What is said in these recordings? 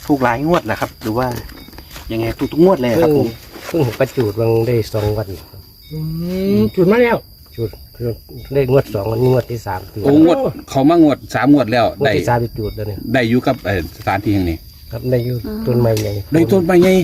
ถูกหลายงวดแหละครับหรือว่ายังไงถูกทุกงวดเลยครับผมเพิ่งประจูดวังได้2 วันจุดมาแล้วจูดได้งวด2 วันนี้งวดที่3 โอ้งวดเขามางวด3 งวดแล้วงวดได้ที่3ไปจูดแล้วเนี่ยได้อยู่กับสถานที่แห่งนี้ครับได้อยู่ต้นไม้ใหญ่ได้ต้นไม้ใหญ่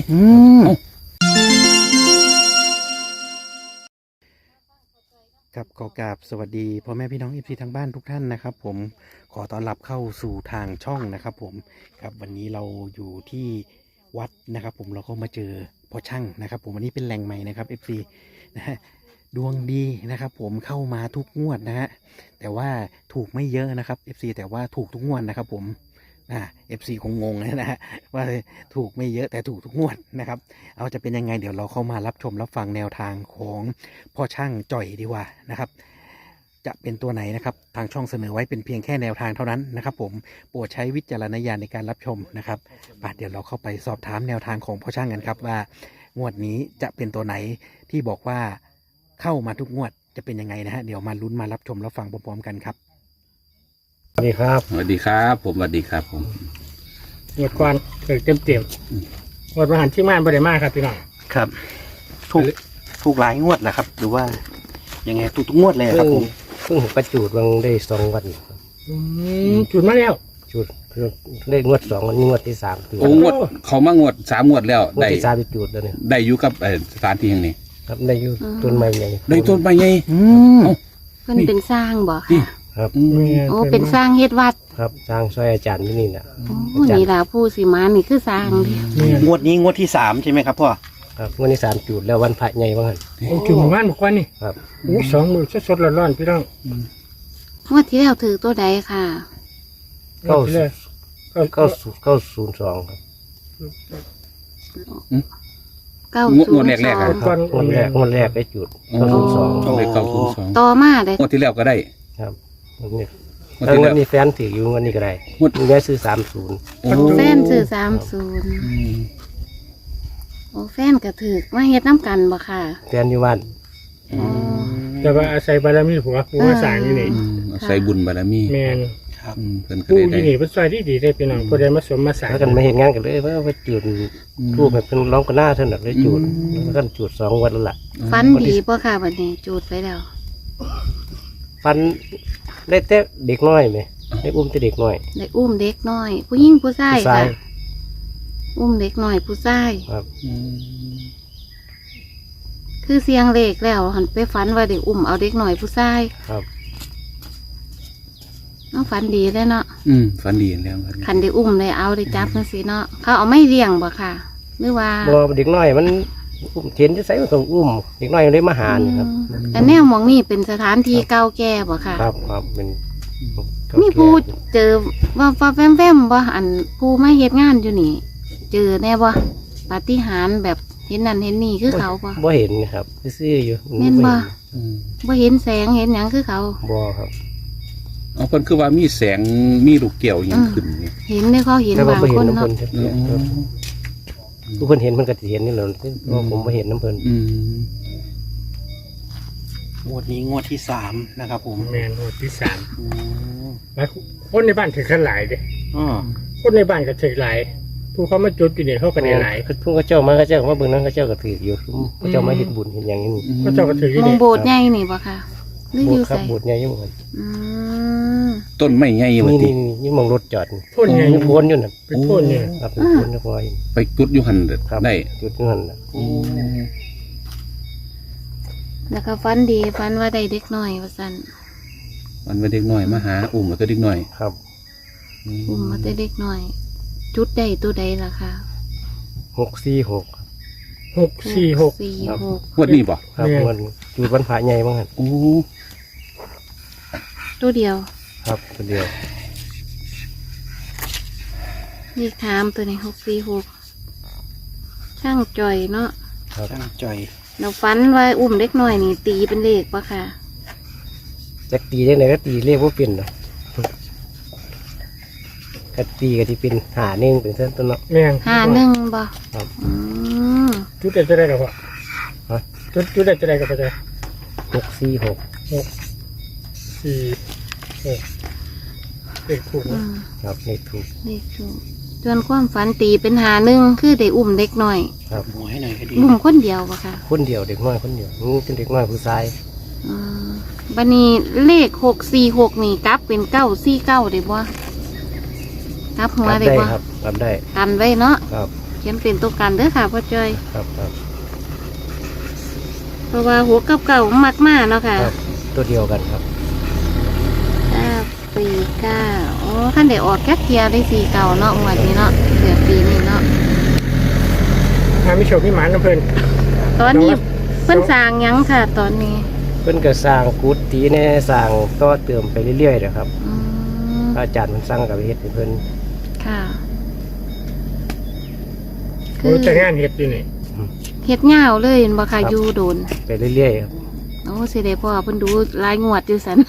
ครับขอกราบสวัสดีพ่อแม่พี่น้องFCทางบ้านทุกท่านนะครับผมขอต้อนรับเข้าสู่ทางช่องนะครับผมครับวันนี้เราอยู่ที่วัดนะครับผมเราก็มาเจอพ่อช่างนะครับผมวันนี้เป็นแหล่งใหม่นะครับ FC นะฮะดวงดีนะครับผมเข้ามาทุกงวดนะฮะแต่ว่าถูกไม่เยอะนะครับ FC แต่ว่าถูกทุกงวดนะครับผมFC คงงงนะฮะว่าถูกไม่เยอะแต่ถูกทุกงวดนะครับเอาจะเป็นยังไงเดี๋ยวเราเข้ามารับชมรับฟังแนวทางของพ่อช่างจ่อยดีกว่านะครับจะเป็นตัวไหนนะครับทางช่องเสนอไว้เป็นเพียงแค่แนวทางเท่านั้นนะครับผมโปรดใช้วิจารณญาณในการรับชมนะครับเดี๋ยวเราเข้าไปสอบถามแนวทางของพ่อช่างกันครับว่างวดนี้จะเป็นตัวไหนที่บอกว่าเข้ามาทุกงวดจะเป็นยังไงนะฮะเดี๋ยวมาลุ้นมารับชมรับฟังพร้อมๆกันครับสวัสดีครับสวัสดีครับผมสวัสดีครับผมหมดก่อนเต็มหมดมาหันที่ม่านบริมาครับพี่น้องครับถูกหลายงวดแหละครับหรือว่ายังไงถูกทุกงวดเลยครับผมเพิ่งประจูดวังได้2 วันจุดมาแล้วจูดได้งวด2 วันนี้งวดที่3 โอ้งวดเขามางวด3 งวดแล้วงวดได้ที่3ไปจูดแล้วเนี่ยได้อยู่กับสถานที่แห่งนี้ครับได้อยู่ต้นไม้ใหญ่ได้ต้นไม้ใหญ่เพิ่นเป็นสร้างบ่นี่ค่ะครับโอ้เป็นสร้างเฮ็ดวัดครับสร้างซอยอาจารย์ที่นี่แหละโอ้นี่ล่ะผู้สิมานี่คือสร้างเด้งวดนี้งวดที่3ใช่ไหมครับพ่อครับงวดที่3จูดแล้ววันพระใหญ่บ้างโอ้จุดหมู่บ้านบอกว่านี่ครับโอ้2 มือสดๆร้อนๆพี่น้องงวดที่แล้วถือตัวใดค่ะเก้าที่เลย 902ครับงวดแรกๆหมอะดก่อนงวดแรกได้จูดโอ้ 902 ได้902 ต่อมาได้งวดที่แล้วก็ได้ครับงวดนี้งวดแล้วที่งวแล้ดวนี้แฟนถืออยู่งวดนี้ก็ได้งวดมีแม่ซื้อ30 โอ้แฟนซื้อ30โอ้แฟนก็ถือมาเฮ็ดน้ำกันบ่ค่ะแฟนอยู่บ้านอ๋อแต่ว่าอาศัยบารมีผัวกูมาสร้างอยู่นี่ใส่บุญบารมีแมนครับเพิ่นก็กูได้ที่นี่เป็นซอยที่ดีได้พี่น้องผู้ใดมาสมมาสร้างแล้วกันมาเห็นงานกันเลยว่าไปจูดรูปแบบเป็นร้องกันหน้าเท่านั้นเลยจูดแล้วกันจูด2 วันแล้วล่ะฟันดีบ่ค่ะบัดนี้จูดไปแล้วฟันได้แต่เด็กน้อยไหมได้อุ้มแต่เด็กน้อยได้อุ้มเด็กน้อย ผู้หญิงผู้ชายผู้ชาค่ะยอุ้มเด็กน้อยผู้ชายครับคือเสียงเลขแล้วหันไปฝันว่าได้อุ้มเอาเด็กน้อยผู้ชายครับน้องฝันดีเลยเนาะฝันดีแล้วครับคันได้อุ้มได้เอาได้จับจังซี่เนาะเขาเอาไม่เลี้ยงบ่ค่ะหรือว่าบ่เด็กน้อยมันอุ้มเทียนจะใส่มันต้องอุ้มเด็กน้อยมันได้มาหานี่ครับแต่แนวหมองนี่เป็นสถานที่เก่าแก่บ่ค่ะครับครับเป็นมีผู้เจอว่าแวมๆบ่อันผู้มาเฮ็ดงานอยู่นี่ เจอแน่บ่ปาฏิหาริย์แบบเห็นนั่นเห็นนี่คือเขาบ่บ่เห็นนะครับซื่อๆอยู่แม่นบ่บ่บ่เห็นแสงเห็นหยังคือเขาบ่ครับเอาเพิ่นคือว่ามีแสงมีลูกแก้วอยังขึ้นนี่เห็นได้เขาเห็นแต่ว่าบางบ่เห็คน นน้ำเนาะเพิ่นครับผู้เพิ่นเห็นเพิ่นก็สิเห็นนี่แหละเพราะผมบ่เห็นน้ำเพิ่นงวดนี้งวดที่3นะครับผมแมนหมดที่3 อืมแล้วคนในบ้านถือกันหลายเด้อ๋อคนในบ้านก็ถือหลายผู้เขามาจุดอยู่นี่เขาก็ได้หลายเพิ่นก็เจ้ามาก็เจ้ามาเบิ่งนั้นก็เจ้าก็ถืออยู่เขาเจ้ามาเฮ็ดบุญเฮ็ดหยังนี่เขาเจ้าก็ถืออยู่มองนี่โบสถ์ใหญ่นี่บ่ค่ะหรือโบอสยู่ถ์ครับไสโบสถ์ใหญ่อยู่เหมือนอืมต้นไม้ใหญ่ว่านี่ตินี่มองรถจอดนี่พ่นไงโพ้นอยู่น่ะเป็นพ่นเนี่ยครับเป็นโพ้นเรียบร้อยไปจุดอยู่หั่นครับได้จุดนั่นน่ะแล้วก็ฝันดีฝันว่าได้เด็กน้อยว่าซั่นมันเป็นเด็กน้อยมาหาอุ้มแล้วก็เด็กน้อยครับอุ้มมาแต่เด็กน้อย จุดใดตัวใดล่ะค่ะ 646 646 ครับ 46 งวดนี้บ่ครับเนี่ยมันจุดวันพระใหญ่บ้างหั่นโอ้ตัวเดียวครับตัวเดียวเลขถามตัวนี้646ช่างจ่อยเนาะช่างจ่อยเราฝันว่าอุ้มเด็กน้อยนี่ตีเป็นเลขปะค่ะจักตีได้ไหนก็ตีเรียกว่าเป็นเนาะก็ตีก็ที่เป็นหาเน่งเป็นเส้นต้นเนาะแม่ง 51บ่ครับอืมจุดได้จะได้กับพ่อฮะจุดได้จะได้กับพ่อ 646 4 6เด็กถูกอืมครับเลขถูกเลขถูกส่วนความฝันตีเป็นหาหนึ่งคือได้อุ้มเด็กน้อยครับหมวยหน่อยก็ดีอุ้มคนเดียวปะค่ะคนเดียวเด็กน้อยคนเดียวนี่เป็นเด็กน้อยผู้ชายอืมบันนี้เลข646นี่กลับเป็น949ได้บ่กลับหัวรับได้ได้บ่ครับรับได้กันไว้เนาะครับเขียนเป็นตัวกันเด้อค่ะพ่อจ้อยครับครับเพราะว่าหัวกับเก่ามักมากเนาะค่ะครับตัวเดียวกันครับ 949อ๋อขั้นได้ออกแก๊กเทียได้4เก่าเนาะงวดนี้เนาะเดือนปีนี้เนาะถ้าไม่โชคพี่หมานน้ำเพลินตอนนี้เพิ่นสร้างหยังค่ะ ตอนนี้เพิ่นก็สร้างกุฏิแน่สร้างต่อเติมไปเรื่อยๆนะครับอืมพระอาจารย์มันสร้างกับเฮ็ดให้เพิ่นค่ะโอ้จะงานเห็ดอยู่นี่เฮ็ดยาวเลยเห็นบ่ค่ะอยู่โดนไปเรื่อยๆครับโอ้สิได้พ่อเพิ่นดูรายงวดอยู่สัน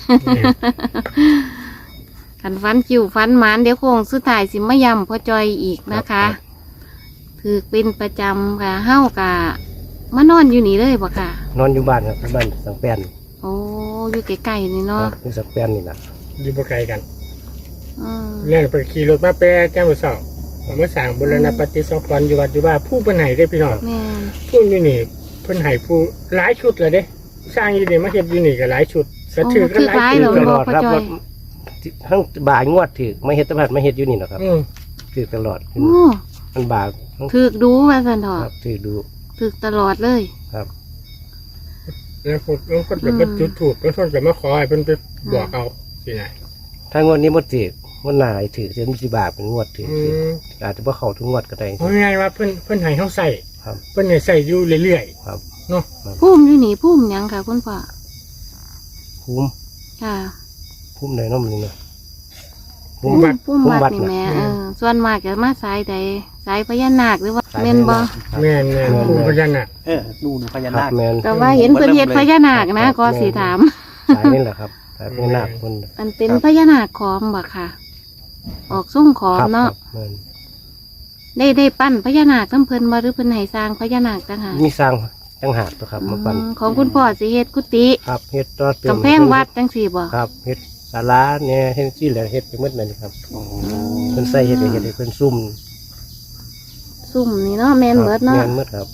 คันฟันจิ๋วฟันหมานเดี๋ยวโคงสุดท้ายสิมาย้ำพ่อจอยอีกนะคะถือเป็นประจำค่ะเฮากะมานอนอยู่นี่เลยบ่ค่ะนอนอยู่บ้านครับบ้านสังแปนโอ้อยู่ใกล้ๆนี่คเนาะรับอยู่สังแปนนี่นะอยู่บ่ไกลกันอืมเรื่องไปขี่รถมาแปรแจ้งมือสอบผมมาสั่งบุรณปฏิสังขรณ์อยู่วัดอยู่ว่าผู้เป็นไหนได้พี่น้องแม่นผู้อยู่นี่เพิ่นให้ผู้หลายชุดเลยเด้สร้างอยู่นี่มาเฮ็ดอยู่นี่ก็หลายชุดสะโอ้ถือก็ถือหลายร้ายชุเหรดอตลอดครับว่าทั้งบ่ายงวดถือไม่เฮ็ดตลาดไม่เฮ็ดอยู่นี่หรอกครับอืมถือตลอดโอ้มันบ่ายทั้งถือดูว่าสันเถคอะรับถือดูถือตลอดเลยครับแล้วคนแบบมาจุดถูกแล้วคนแบบมาขอให้เพิ่นไปบอกเอาสิไหนถ้างวดนี้บ่ถือมันหนาให้ถือเส้นสิบาทเป็นงวดถืออืมอาจจะบ่เข้าทุกงวดก็ได้เพราะไงว่าเพิ่นให้เฮาใส่ครับเพิ่นให้ใส่อยู่เรื่อยครับๆเนาะพุ่มอยู่นี่พุ่มหยังค่ะคุณพ่อคุ้มค่ะคุ้มไหนเน้องมันนี่นะผู้วัดพุ่มวัดนี่แหม่ส่วนมากจะมาสายใดสายพญานาคหรือว่าแม่นบ่แม่นผู้พญานาคนู่นพญาครันาบคแมนก็ว่าเห็นเพิ่นเฮ็ดพญานาคนะก็สิถามสายนี่แหละครับสายเป็นหนักคนมันเป็นพญานาคขอมบ่ค่ะ ออกส่งขอมครับเนาะแม่นได้ปั้นพญานาคน้ำเพิ่นมาหรือเพิ่นให้สร้างพญานาคต่างหากมีสร้างจังหากตัวครับมาปั่นของคุณพ่อสิเฮ็ดกุฏิครับเฮ็ดต่อเติมกำแพงวัดจังสี่บ่ครับเฮ็ดศาลาเนี่ยเฮ็ดที่แหละเฮ็ดไปหมดนั่นครับโอ้เพิ่นใส่เฮ็ดให้เพิ่นซุ่มซุ่มนี่เนาะแม่นเบิดเนาะแม่นหมดครับ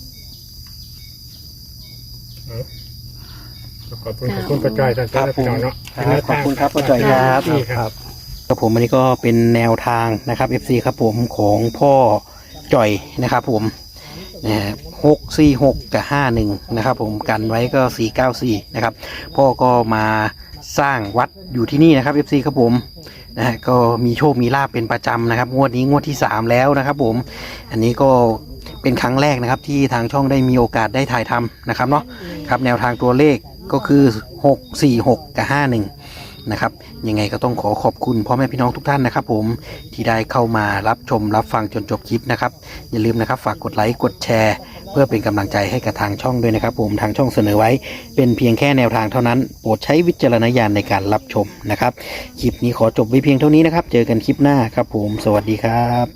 ขอบคุณพระจอยท่านพี่น้องเนาะครับขอบคุณครับพ่อจอยครับนี่ครับครับผมอันนี้ก็เป็นแนวทางนะครับ FC ครับผมของพ่อจ่อยนะครับผม646กับ51นะครับผมกันไว้ก็494นะครับพ่อก็มาสร้างวัดอยู่ที่นี่นะครับ FC ครับผมนะฮะก็มีโชคมีลาภเป็นประจำนะครับงวดนี้งวดที่3แล้วนะครับผมอันนี้ก็เป็นครั้งแรกนะครับที่ทางช่องได้มีโอกาสได้ถ่ายทำนะครับเนาะครับแนวทางตัวเลขก็คือ646กับ51นะครับยังไงก็ต้องขอขอบคุณพ่อแม่พี่น้องทุกท่านนะครับผมที่ได้เข้ามารับชมรับฟังจนจบคลิปนะครับอย่าลืมนะครับฝากกดไลค์กดแชร์เพื่อเป็นกำลังใจให้กับทางช่องด้วยนะครับผมทางช่องเสนอไว้เป็นเพียงแค่แนวทางเท่านั้นโปรดใช้วิจารณญาณในการรับชมนะครับคลิปนี้ขอจบไว้เพียงเท่านี้นะครับเจอกันคลิปหน้าครับผมสวัสดีครับ